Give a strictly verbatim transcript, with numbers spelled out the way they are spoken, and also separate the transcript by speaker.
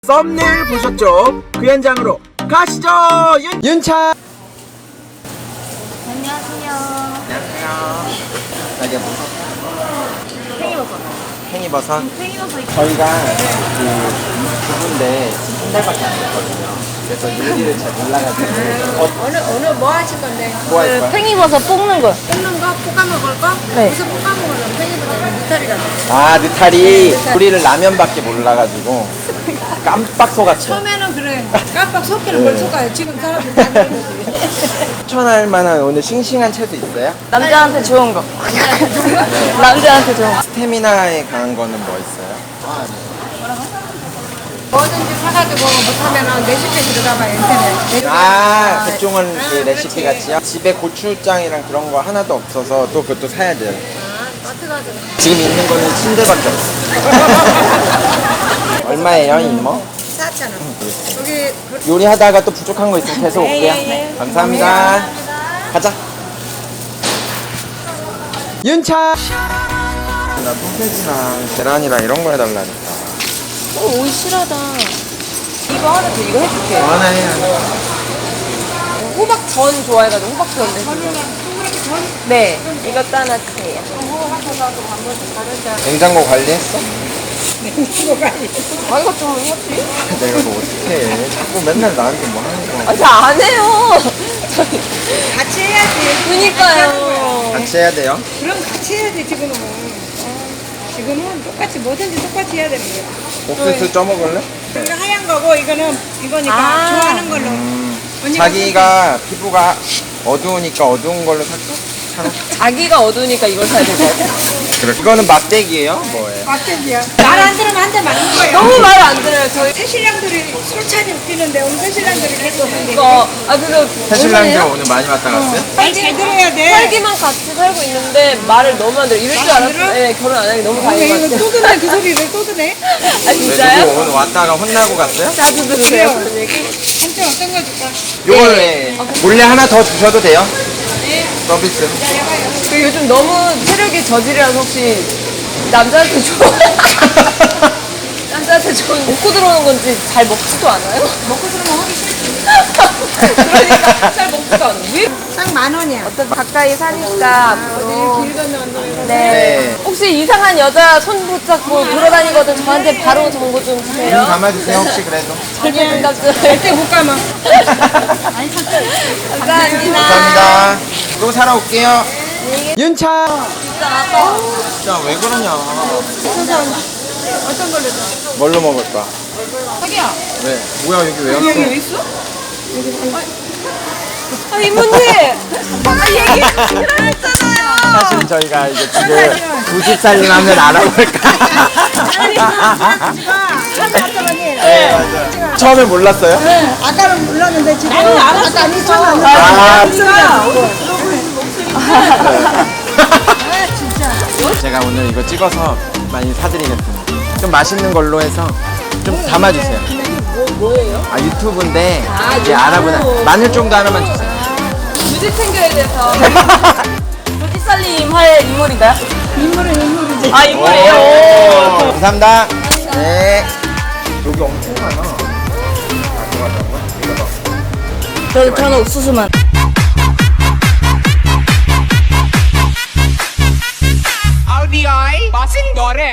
Speaker 1: 썸네일 보셨죠? 그 현장으로 가시죠. 윤, 윤차.
Speaker 2: 안녕하세요.
Speaker 1: 안녕하세요. 자기가 무슨
Speaker 2: 팽이버섯.
Speaker 1: 팽이버섯.
Speaker 2: 팽이버섯.
Speaker 1: 저희가 그 부부인데 한 달밖에 안 됐거든요. 그래서 요리를 잘 몰라가지고 어,
Speaker 3: 어느 어느 뭐 하실 건데?
Speaker 1: 뭐 할 거야?
Speaker 2: 팽이버섯 볶는 거.
Speaker 3: 볶는 거, 볶아 먹을 거?
Speaker 2: 네.
Speaker 3: 무슨 볶아 먹으려면 팽이버섯은 니탈이라고.
Speaker 1: 아 느타리. 우리를 라면밖에 몰라가지고 깜빡 속았죠.
Speaker 3: 처음에는 그래. 깜빡 속기는
Speaker 1: 네.
Speaker 3: 뭘 속아요. 지금 사람들 다 그러는 거지.
Speaker 1: 추천할 만한 오늘 싱싱한 채소 있어요?
Speaker 2: 남자한테 좋은 거. 남자한테 좋은 거.
Speaker 1: 스태미나에 강한 거는 뭐 있어요?
Speaker 3: 뭐든지 사가지고 못하면은 레시피 들어가봐요. 인터넷.
Speaker 1: 아 백종원 그
Speaker 3: 아,
Speaker 1: 레시피
Speaker 3: 그렇지.
Speaker 1: 같이요? 집에 고추장이랑 그런 거 하나도 없어서 또 그것도 사야 돼요.
Speaker 3: 아, 마트 가지고.
Speaker 1: 지금 있는 거는 침대밖에 없어. 얼마예요, 이모?
Speaker 3: 쌌잖아. 여기 그,
Speaker 1: 요리하다가 또 부족한 거 있으면 계속 올게요.
Speaker 3: 예, 예.
Speaker 1: 감사합니다. 가자. 윤차. 나 소세지랑 계란이랑 이런 거 해달라니까.
Speaker 2: 어, 오이 실하다. 이거 하나 더 이거 해줄게.
Speaker 1: 하나 해요.
Speaker 2: 호박전 좋아해가지고 호박전 해줄게. 네. 이것도 하나 주세요.
Speaker 1: 냉장고 관리했어?
Speaker 2: 아, 이거 좀 해야지.
Speaker 1: 내가 뭐 어떡해. 자꾸 맨날 나한테 뭐 하는 거.
Speaker 2: 아, 저 안 해요. 저기.
Speaker 3: 같이 해야지.
Speaker 2: 그니까요.
Speaker 1: 같이 해야 돼요?
Speaker 3: 그럼 같이 해야지, 지금은. 지금은 똑같이 뭐든지 똑같이 해야 되는 거야.
Speaker 1: 옥수수 쪄먹을래?
Speaker 3: 이거 하얀 거고, 이거는 이거니까
Speaker 2: 아.
Speaker 3: 좋아하는 걸로. 언니가
Speaker 1: 자기가 피부가 어두우니까 어두운 걸로 살까? 차로?
Speaker 2: 자기가 어두우니까 이걸 사야 될 것 같아.
Speaker 1: 그래. 이거는 막대기예요? 뭐예요?
Speaker 3: 막대기야. 말 안 들으면 한 대 맞는 거예요.
Speaker 2: 너무 말 안 들어요. 저희
Speaker 3: 새신랑들이 술찬이 웃기는데 오늘 새신랑들이 계속 하는데
Speaker 2: 이거. 아, 그래서.
Speaker 1: 새신랑들 오늘 많이 왔다 갔어요?
Speaker 3: 말 잘 들어야 돼.
Speaker 2: 살기만 같이 살고 있는데 말을 너무 안 들어. 이럴 줄
Speaker 3: 말 안
Speaker 2: 알았어요.
Speaker 3: 들어?
Speaker 2: 네, 결혼 안 하기 너무
Speaker 3: 왜
Speaker 2: 다행인 것
Speaker 3: 이거
Speaker 2: 같아요.
Speaker 3: 또 듣네 그 소리를 또 듣네.
Speaker 2: 아,
Speaker 1: 왜
Speaker 2: 진짜요?
Speaker 1: 누구 오늘 왔다가 혼나고 갔어요?
Speaker 2: 자주 들으세요, 그런 얘기?
Speaker 3: 한쪽 어떤 거 줄까?
Speaker 1: 요걸
Speaker 2: 네.
Speaker 1: 왜 몰래 하나 더 주셔도 돼요? 서비스.
Speaker 2: 그 요즘 너무 체력이 저질이라서 혹시 남자한테 좋은 남자한테 좋은 먹고 들어오는 건지 잘 먹지도 않아요?
Speaker 3: 먹고 들으면 하기 싫지.
Speaker 2: 그러니까 잘 먹지도 않아요. 왜?
Speaker 3: 딱 만 원이야.
Speaker 2: 어떤 가까이 사니까
Speaker 3: 어디 길 건너면
Speaker 2: 네.
Speaker 1: 네.
Speaker 2: 혹시 이상한 여자 손 붙잡고 돌아다니거든 저한테 바로 정보 좀
Speaker 1: 눈
Speaker 2: 주세요.
Speaker 1: 감아주세요 혹시 그래도.
Speaker 2: 절대 눈
Speaker 3: 절대 못 감아.
Speaker 2: 감사합니다.
Speaker 1: 감사합니다. 또 사러 올게요. 윤차.
Speaker 2: 진짜 아까
Speaker 1: 진짜 왜 그러냐.
Speaker 3: 어떤 걸로 줘?
Speaker 1: 뭘로 먹을 거야?
Speaker 3: 자기야.
Speaker 1: 왜? 뭐야 여기 왜
Speaker 3: 여기
Speaker 1: 왔어?
Speaker 3: 왜 있어?
Speaker 2: 아 이모님 아까 얘기 했잖아요.
Speaker 1: 사실 저희가 이제 지금 두 집 살림하면 알아볼까? 네, 맞아요. 처음에 몰랐어요?
Speaker 3: 아까는 몰랐는데 지금 나는 알았어. 아까 미쳤나?
Speaker 1: 아,
Speaker 3: 아 진짜.
Speaker 1: 제가 오늘 이거 찍어서 많이 사드리겠습니다. 좀 맛있는 걸로 해서 좀 담아주세요.
Speaker 2: 뭐, 뭐예요?
Speaker 1: 아 유튜브인데
Speaker 2: 아,
Speaker 1: 이제
Speaker 2: 유튜브.
Speaker 1: 알아보나 마늘 정도 하나만 주세요.
Speaker 2: 무지 챙겨야 돼서 무지살림 할 인물인가요?
Speaker 3: 인물은 인물이지.
Speaker 2: 아 인물이에요?
Speaker 1: 오,
Speaker 2: 오.
Speaker 1: 감사합니다. 네. 여기 엄청 많아. 아, 그거 같은 거야? 이거 봐.
Speaker 2: 저, 저는 옥수수만
Speaker 4: R B I, passing Dore.